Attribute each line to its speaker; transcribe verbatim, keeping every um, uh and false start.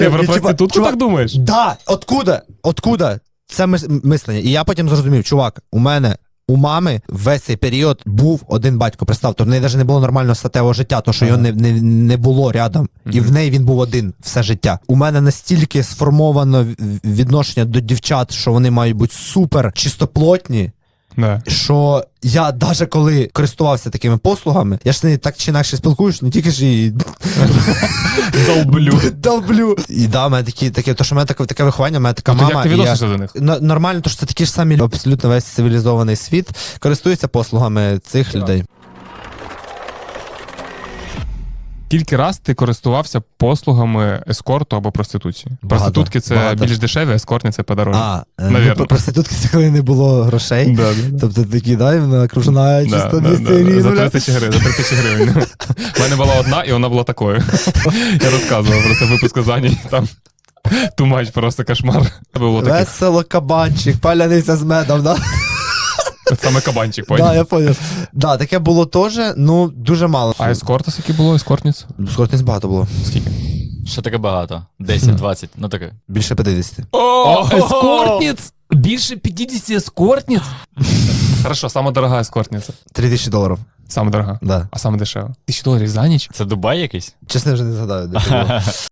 Speaker 1: Ти про
Speaker 2: Я, типа,
Speaker 1: проститутку
Speaker 2: чувак,
Speaker 1: так думаєш?
Speaker 2: Да, откуда? Откуда? Це мис- мислення. І я потім зрозумів, чувак, у мене, у мами весь цей період був один батько. Представ, то в неї навіть не було нормального статевого життя, то що його не, не, не було рядом. І в неї він був один все життя. У мене настільки сформовано в- відношення до дівчат, що вони мають бути супер чистоплотні,
Speaker 1: Да.
Speaker 2: що я навіть коли користувався такими послугами, я ж з нею так чи інакше спілкуюсь, не тільки ж і
Speaker 1: Долблю.
Speaker 2: долблю. І да, в мене такі, таке, то що в мене таке, таке виховання, в мене така
Speaker 1: Ну, то
Speaker 2: мама.
Speaker 1: як ти
Speaker 2: і я-
Speaker 1: відносишся до них?
Speaker 2: Н- Нормально, то що це такі ж самі люди, абсолютно весь цивілізований світ користується послугами цих людей.
Speaker 1: Скільки раз ти користувався послугами ескорту або проституції?
Speaker 2: Багато.
Speaker 1: Проститутки це
Speaker 2: Багато.
Speaker 1: більш дешеві, ескортні це подорожче.
Speaker 2: А, е,
Speaker 1: Навірно.
Speaker 2: ну, проститутки це коли не було грошей.
Speaker 1: Да, да, да.
Speaker 2: Тобто такі, дай, вона окружена
Speaker 1: Да,
Speaker 2: чисто
Speaker 1: да,
Speaker 2: двісті
Speaker 1: да,
Speaker 2: гривень.
Speaker 1: За
Speaker 2: бля.
Speaker 1: три тисячі гривень. За три тисячі гривень. У мене була одна, і вона була такою. Я розказував про це випуск Заній. Там тумач, просто кошмар. Було таке.
Speaker 2: Весело кабанчик, паляниця з медом, да?
Speaker 1: Саме кабанчик,
Speaker 2: Да,
Speaker 1: поняв?
Speaker 2: я поняв. Да, таке було теж, ну, дуже мало.
Speaker 1: А ескорта скільки було? Ескортниць?
Speaker 2: Скоротність багато було.
Speaker 1: Скільки?
Speaker 3: Що таке багато? десять-двадцять, ну таке.
Speaker 2: Більше п'ятдесят.
Speaker 1: О,
Speaker 4: Ескортниць? Більше п'ятдесят ескортниць?
Speaker 1: Хорошо, сама дорога ескортниця.
Speaker 2: Три тисячі доларів.
Speaker 1: Саме дорога.
Speaker 2: Да.
Speaker 1: А саме дешева. Тисячу доларів за ніч?
Speaker 3: Це Дубай якийсь?
Speaker 2: Чесно, я вже не згадаю, де це було.